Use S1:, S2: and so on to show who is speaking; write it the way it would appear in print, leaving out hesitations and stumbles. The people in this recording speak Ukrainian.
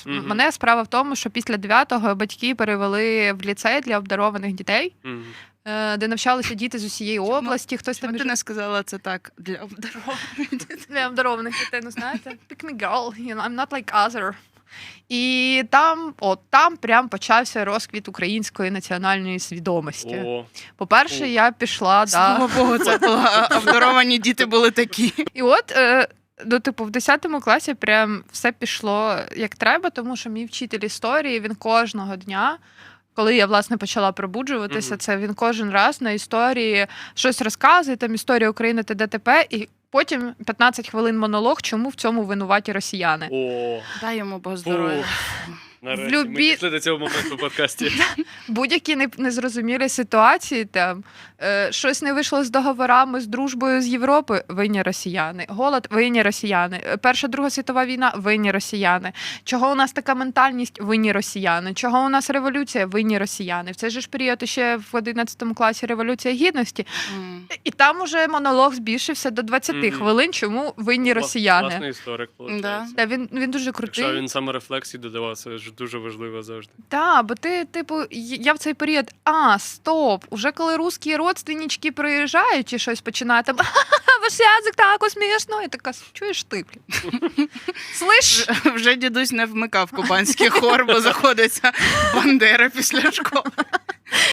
S1: Мгм.
S2: Мене справа в тому, що після 9-го батьки перевели в ліцей для обдарованих дітей,
S1: Мгм.
S2: де навчалися діти з усієї області. Хтось там
S3: Чому ти не сказала це так для обдарованих дітей?
S2: для обдарованих дітей, ну знаєте, pick me girl, you know, I'm not like other. І там прям почався розквіт української національної свідомості.
S1: О,
S2: По-перше,
S1: О.
S2: я пішла,
S3: Слава Богу, це була обдаровані діти були такі.
S2: І от, ну, типу, в 10 класі прям все пішло як треба, тому що мій вчитель історії, він кожного дня, коли я, власне, почала пробуджуватися,
S1: Мгм.
S2: це він кожен раз на історії щось розказує, там історія України та ДТП, і потім 15 хвилин монолог, чому в цьому винуваті росіяни.
S1: о,
S3: Дай йому Бог здоров'я.
S1: нарешті.
S2: любі-
S1: Ми дійшли до цього моменту в подкасті.
S2: Будь-які незрозумілі ситуації, там щось не вийшло з договорами, з дружбою з Європи, винні росіяни. Голод, винні росіяни. Перша, Друга світова війна, винні росіяни. Чого у нас така ментальність, винні росіяни. Чого у нас революція, винні росіяни. В цей же ж період ще в 11 класі Революція Гідності. І там уже монолог збільшився до 20
S1: Мгм.
S2: хвилин, чому винні росіяни.
S1: Власний історик, виходить.
S3: Да.
S2: Та він дуже крутий.
S1: Якщо він саме рефлексії додавав, це ж дуже важливо завжди.
S2: Так, бо ти, типу, я в цей період, стоп, уже коли русські родственнички приїжджають і щось починають, там, ваш язик так смішно, і така, чуєш ти, блін? Слиш?
S3: Вже дідусь не вмикав кубанський хор, бо заходиться Бандера після школи.